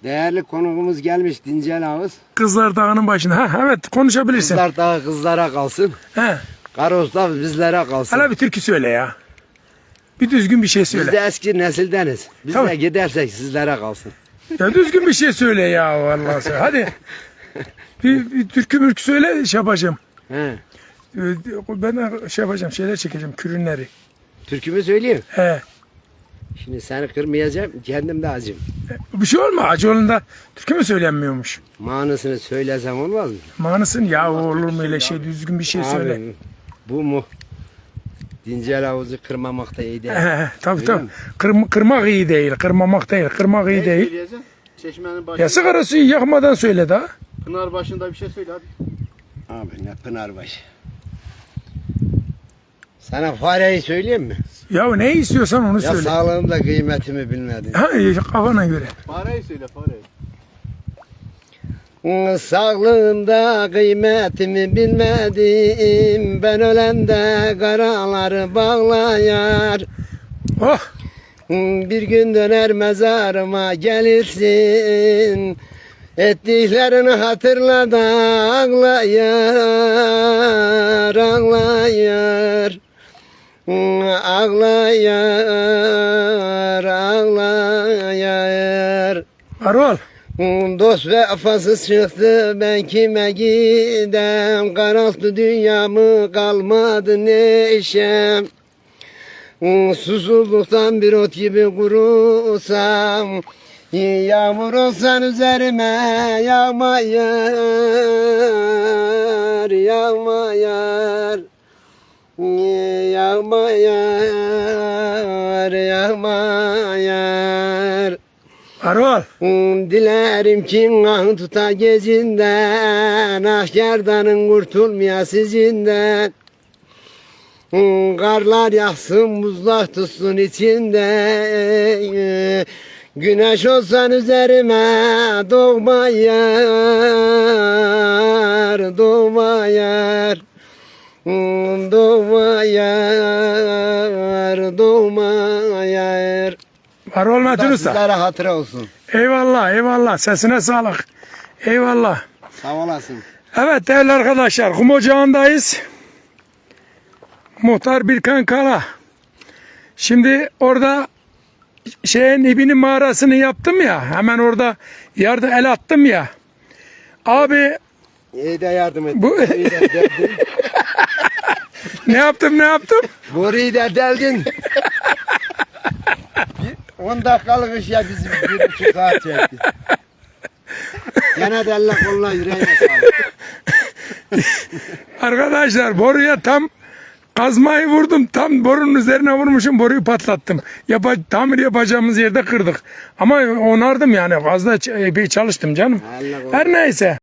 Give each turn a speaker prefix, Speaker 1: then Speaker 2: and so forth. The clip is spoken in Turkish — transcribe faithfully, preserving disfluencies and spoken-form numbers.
Speaker 1: Değerli konuğumuz gelmiş Dincel Ağız.
Speaker 2: Kızlar Dağı'nın başında. Ha, evet konuşabilirsin.
Speaker 1: Kızlar Dağı kızlara kalsın.
Speaker 2: He.
Speaker 1: Karaosta bizlere kalsın.
Speaker 2: Hala bir türkü söyle ya. Bir düzgün bir şey
Speaker 1: Biz
Speaker 2: söyle.
Speaker 1: de eski nesildeniz. Biz
Speaker 2: Tamam.
Speaker 1: de gidersek sizlere kalsın.
Speaker 2: Ya düzgün bir şey söyle ya vallahi sen. Hadi. Bir, bir türkü mürkü söyle şey yapacağım.
Speaker 1: He.
Speaker 2: Ee, Ben de şey yapacağım, şeyler çekeceğim, kürünleri.
Speaker 1: Türkümü söyleyeyim.
Speaker 2: He.
Speaker 1: Şimdi seni kırmayacağım. Kendim de acım.
Speaker 2: Bir şey olma, Acıoğlu'nda türkü mü söylenmiyormuş?
Speaker 1: Manasını söylesem olmaz mı?
Speaker 2: Manısın ya, olur mu öyle şey, düzgün bir şey söyle.
Speaker 1: Abi, bu mu? Dincel Ağız'ı kırmamak da iyi değil.
Speaker 2: He, he, tabii
Speaker 1: Öyle
Speaker 2: tabii.
Speaker 1: mi?
Speaker 2: Kırm kırmak iyi değil, kırmamak değil, kırmak iyi değil.
Speaker 3: Söyleyeceksin? Çeşmenin başında.
Speaker 2: Ya sigara suyu yakmadan söyle daha.
Speaker 3: Pınar başında bir şey söyle hadi.
Speaker 1: Abi ne Pınarbaşı. Sana fareyi söyleyeyim mi?
Speaker 2: Ya ne istiyorsan onu
Speaker 1: Ya
Speaker 2: söyle.
Speaker 1: sağlığımda kıymetimi bilmedin.
Speaker 2: Ha, kafana göre.
Speaker 3: Fareyi söyle fareyi.
Speaker 1: Sağlığımda kıymetimi bilmedim. Ben ölende karaları bağlayar.
Speaker 2: Oh.
Speaker 1: Bir gün döner mezarıma gelirsin. Ettiklerini hatırla da ağlayar, ağlayar. Ağlayar, ağlayar.
Speaker 2: Arol.
Speaker 1: Dost vefasız çıktı ben kime gidem. Karaltı dünyamı kalmadı neşem. Susuzluktan bir ot gibi kurusam. Yağmur olsan üzerime yağmayar, yağmayar. Yağmayar, yağmayar.
Speaker 2: Arol.
Speaker 1: Dilerim ki ah tuta gezinden, ah gerdanın kurtulmaya sizinden. Karlar yağsın, buzlar tutsun içinde. Güneş olsan üzerime doğmayar, doğmayar. Doğmayar, doğmayar.
Speaker 2: Arol
Speaker 1: Bu
Speaker 2: Metin
Speaker 1: da
Speaker 2: Usta.
Speaker 1: sizlere hatıra olsun.
Speaker 2: Eyvallah, eyvallah. Sesine sağlık. Eyvallah.
Speaker 1: Sağ olasın.
Speaker 2: Evet değerli arkadaşlar, Kum Ocağı'ndayız. Muhtar Birkan Kara. Şimdi orada şeyin İbni mağarasını yaptım ya. Hemen orada yardım el attım ya. Abi
Speaker 1: İyi de yardım et.
Speaker 2: Bu-
Speaker 1: İyi de deldin.
Speaker 2: ne yaptım ne yaptım?
Speaker 1: Boruyu da deldin. on dakikalık iş ya bizi bir buçuk saat çekti. Gene de elle koluna yüreğine sağlık.
Speaker 2: Arkadaşlar boruya tam kazmayı vurdum. Tam borunun üzerine vurmuşum. Boruyu patlattım. Yapa, tamir yapacağımız yerde kırdık. Ama onardım yani. Fazla ç- epey çalıştım canım.
Speaker 1: Allah
Speaker 2: Her neyse.